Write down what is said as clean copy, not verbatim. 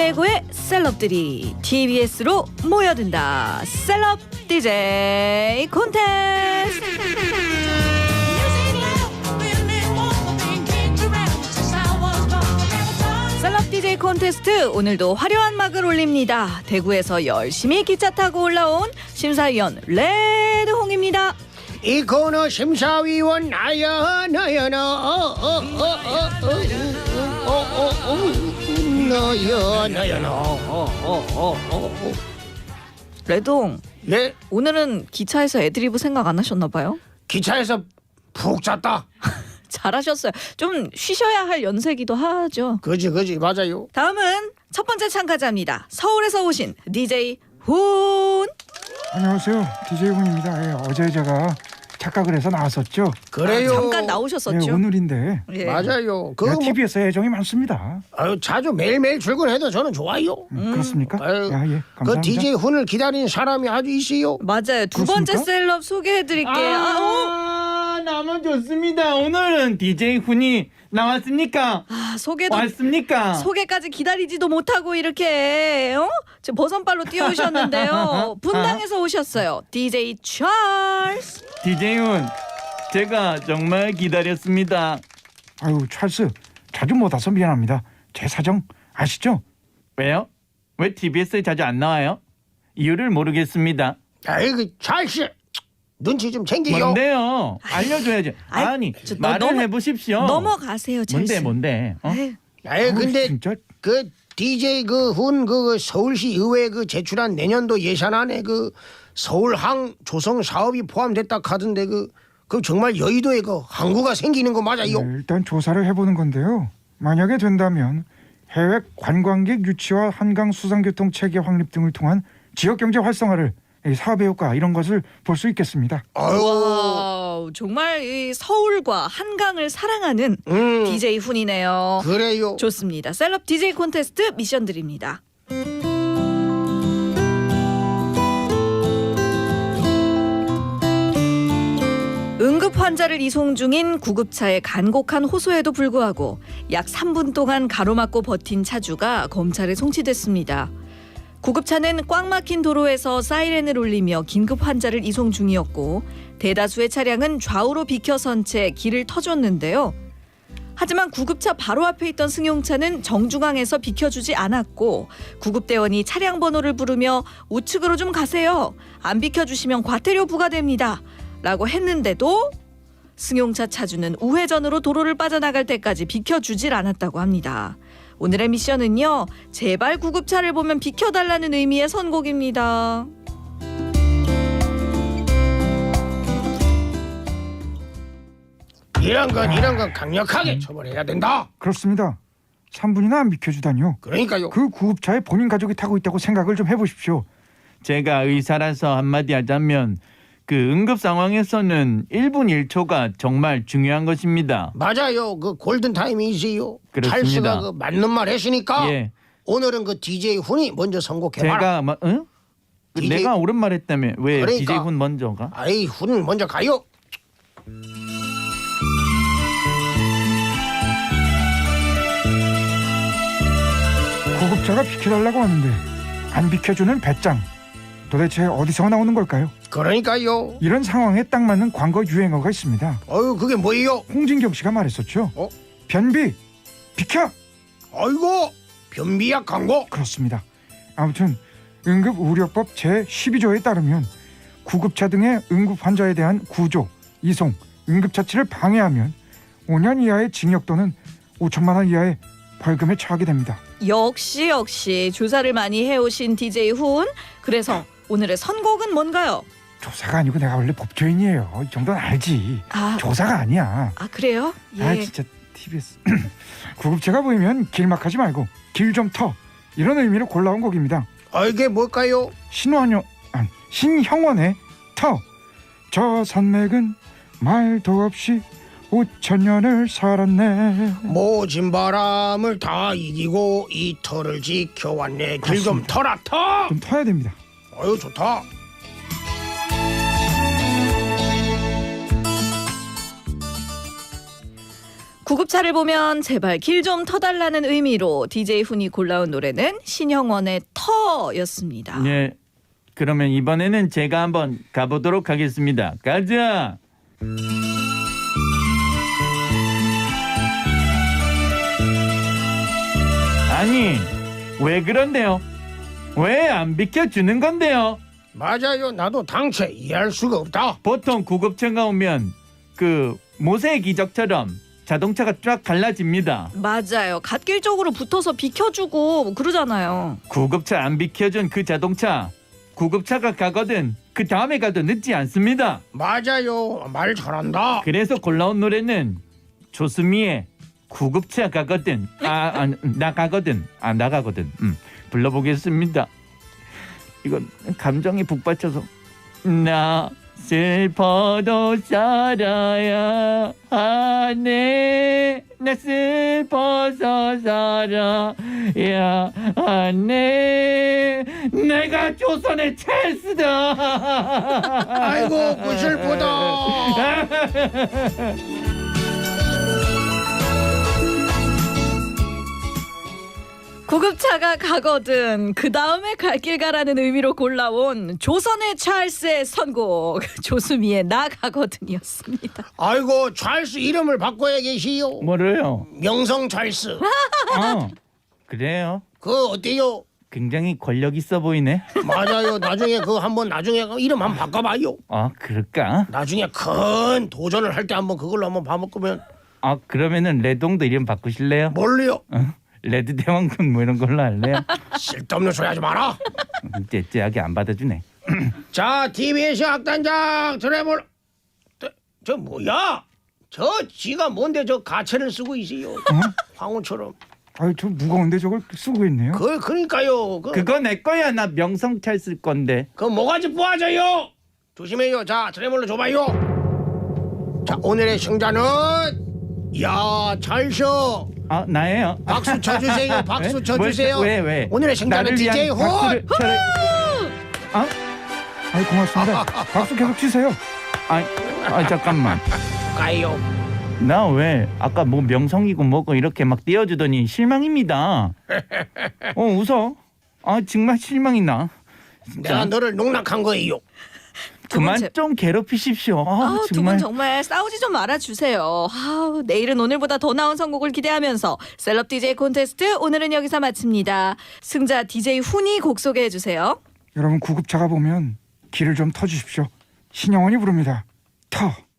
최고의 셀럽들이 TBS로 모여든다. 셀럽 DJ 콘테스트. 셀럽 DJ 콘테스트 오늘도 화려한 막을 올립니다. 대구에서 열심히 기차 타고 올라온 심사위원 레드홍입니다. 이 코너 심사위원 나야 나야 나야 나 레드홍, 네, 오늘은 기차에서 애드리브 생각 안 하셨나 봐요? 기차에서 푹 잤다. 잘하셨어요. 좀 쉬셔야 할 연세기도 하죠. 그지 맞아요. 다음은 첫 번째 참가자입니다. 서울에서 오신 DJ 훈. 안녕하세요. DJ 훈입니다. 예, 어제 제가 착각을 해서 나왔었죠. 그래요. 잠깐 나오셨었죠. 예, 오늘인데 예. 맞아요. 제가 TBS에 애정이 많습니다. 자주 매일매일 출근해도 저는 좋아요. 그렇습니까? 아유, 야, 예, 감사합니다. 그 DJ 훈을 기다리는 사람이 아주 있어요. 맞아요. 두 번째 그렇습니까? 셀럽 소개해드릴게요. 너무 좋습니다. 오늘은 DJ 훈이 나왔습니까? 소개도 왔습니까? 소개까지 기다리지도 못하고 이렇게 지금 버선발로 뛰어오셨는데요. 분당에서 오셨어요. DJ 찰스. DJ 훈, 제가 정말 기다렸습니다. 아유, 찰스 자주 못 와서 미안합니다. 제 사정 아시죠? 왜요? 왜 TBS에 자주 안 나와요? 이유를 모르겠습니다. 아이고 찰씨 눈치 좀 챙기요. 뭔데요? 알려줘야지. 아니, 말을 해보십시오. 넘어가세요, 찰스. 뭔데? 에휴, 아이 근데 진짜 그 DJ 그 훈 그 서울시 의회 그 제출한 내년도 예산안에 그 서울항 조성 사업이 포함됐다 하던데 그 정말 여의도에 그 항구가 생기는 거 맞아요? 일단 조사를 해보는 건데요. 만약에 된다면 해외 관광객 유치와 한강 수상교통 체계 확립 등을 통한 지역 경제 활성화를 이 사업의 효과 이런 것을 볼 수 있겠습니다. 와우, 정말 이 서울과 한강을 사랑하는 DJ 훈이네요. 그래요. 좋습니다. 셀럽 DJ 콘테스트 미션 드립니다. 응급 환자를 이송 중인 구급차의 간곡한 호소에도 불구하고 약 3분 동안 가로막고 버틴 차주가 검찰에 송치됐습니다. 구급차는 꽉 막힌 도로에서 사이렌을 울리며 긴급 환자를 이송 중이었고 대다수의 차량은 좌우로 비켜선 채 길을 터줬는데요. 하지만 구급차 바로 앞에 있던 승용차는 정중앙에서 비켜주지 않았고 구급대원이 차량 번호를 부르며 우측으로 좀 가세요. 안 비켜주시면 과태료 부과됩니다. 라고 했는데도 승용차 차주는 우회전으로 도로를 빠져나갈 때까지 비켜주질 않았다고 합니다. 오늘의 미션은요. 제발 구급차를 보면 비켜달라는 의미의 선곡입니다. 이런 건 강력하게 처벌해야 된다. 그렇습니다. 3분이나 안 비켜주다니요. 그러니까요. 그 구급차에 본인 가족이 타고 있다고 생각을 좀 해보십시오. 제가 의사라서 한마디 하자면 그 응급 상황에서는 1분 1초가 정말 중요한 것입니다. 맞아요. 그 골든 타임이지요. 그렇습니다. 찰스가 그 맞는 말 했으니까 예. 오늘은 그 DJ 훈이 먼저 선곡해봐라. 제가 응? DJ 내가 옳은 말 했다며 왜 그러니까. DJ 훈 먼저가? 아이 훈 먼저 가요. 구급차가 비켜달라고 하는데 안 비켜주는 배짱. 도대체 어디서 나오는 걸까요? 그러니까요. 이런 상황에 딱 맞는 광고 유행어가 있습니다. 그게 뭐예요? 홍진경 씨가 말했었죠. 어? 변비 비켜. 아이고 변비약 광고. 그렇습니다. 아무튼 응급의료법 제12조에 따르면 구급차 등의 응급 환자에 대한 구조, 이송, 응급처치를 방해하면 5년 이하의 징역 또는 5천만 원 이하의 벌금에 처하게 됩니다. 역시 조사를 많이 해오신 DJ 훈. 그래서 오늘의 선곡은 뭔가요? 조사가 아니고 내가 원래 법조인이에요. 이 정도는 알지. 조사가 아니야. 그래요? 예. 아 진짜 TBS 구급차가 보이면 길막하지 말고 길 좀 터. 이런 의미로 골라온 곡입니다. 이게 뭘까요? 신형원의 터. 저 산맥은 말도 없이 5,000년을 살았네. 모진 바람을 다 이기고 이 터를 지켜왔네. 길 좀 터라 터. 좀 터야 됩니다. 아유 좋다. 구급차를 보면 제발 길 좀 터달라는 의미로 DJ 훈이 골라온 노래는 신형원의 터였습니다. 네. 그러면 이번에는 제가 한번 가보도록 하겠습니다. 가자. 아니, 왜 그런데요? 왜 안 비켜주는 건데요? 맞아요. 나도 당최 이해할 수가 없다. 보통 구급차가 오면 그 모세의 기적처럼 자동차가 쫙 갈라집니다. 맞아요. 갓길 쪽으로 붙어서 비켜주고 뭐 그러잖아요. 구급차 안 비켜준 그 자동차 구급차가 가거든 그 다음에 가도 늦지 않습니다. 맞아요. 말 잘한다. 그래서 골라온 노래는 조수미의 구급차 가거든. 나 가거든. 나 가거든. 불러보겠습니다. 이건 감정이 북받쳐서 나 슬퍼도 살아야 하네. 나 슬퍼서 살아야 하네. 내가 조선의 찰스다. 아이고 그 슬프다. 구급차가 가거든 그 다음에 갈 길 가라는 의미로 골라온 조선의 찰스의 선곡 조수미의 나 가거든이었습니다. 아이고 찰스 이름을 바꿔야 계시요. 뭐래요? 명성 찰스. 그래요? 그 어때요? 굉장히 권력 있어 보이네. 맞아요. 나중에 그 한번 나중에 그 이름 한번 바꿔봐요. 그럴까? 나중에 큰 도전을 할 때 한번 그걸로 한번 바꿔보면 그러면은 레동도 이름 바꾸실래요? 뭘요? 레드 대왕군 뭐 이런 걸로 할래요? 쓸데없는 소리 하지 마라. 째째하게 안 받아주네. 자, TBS 악단장 트래블. 저 뭐야? 저 지가 뭔데 저 가채를 쓰고 있어요. 황후처럼. 아유, 저 무거운데 저걸 쓰고 있네요. 그러니까요. 그거 내 거야. 나 명성찰 쓸 건데. 그 뭐가지 뿌아져요. 조심해요. 자, 트래블로 줘봐요. 자, 오늘의 승자는 야, 찰스. 나예요. 박수 쳐주세요. 박수 쳐주세요. 왜? 오늘의 승자는 나를 위한 DJ 훈. 박수를 쳐라. 아유, 고맙습니다. 박수 계속 치세요. 잠깐만. 가요. 나 왜 아까 뭐 명성이고 뭐고 이렇게 막 띄워주더니 실망입니다. 웃어. 정말 실망이 나. 내가 너를 농락한 거예요. 그만 제- 좀 괴롭히십시오. 두 분 정말 싸우지 좀 말아주세요. 내일은 오늘보다 더 나은 선곡을 기대하면서 셀럽 DJ 콘테스트 오늘은 여기서 마칩니다. 승자 DJ 훈이 곡 소개해주세요. 여러분 구급차가 보면 길을 좀 터주십시오. 신영원이 부릅니다. 터.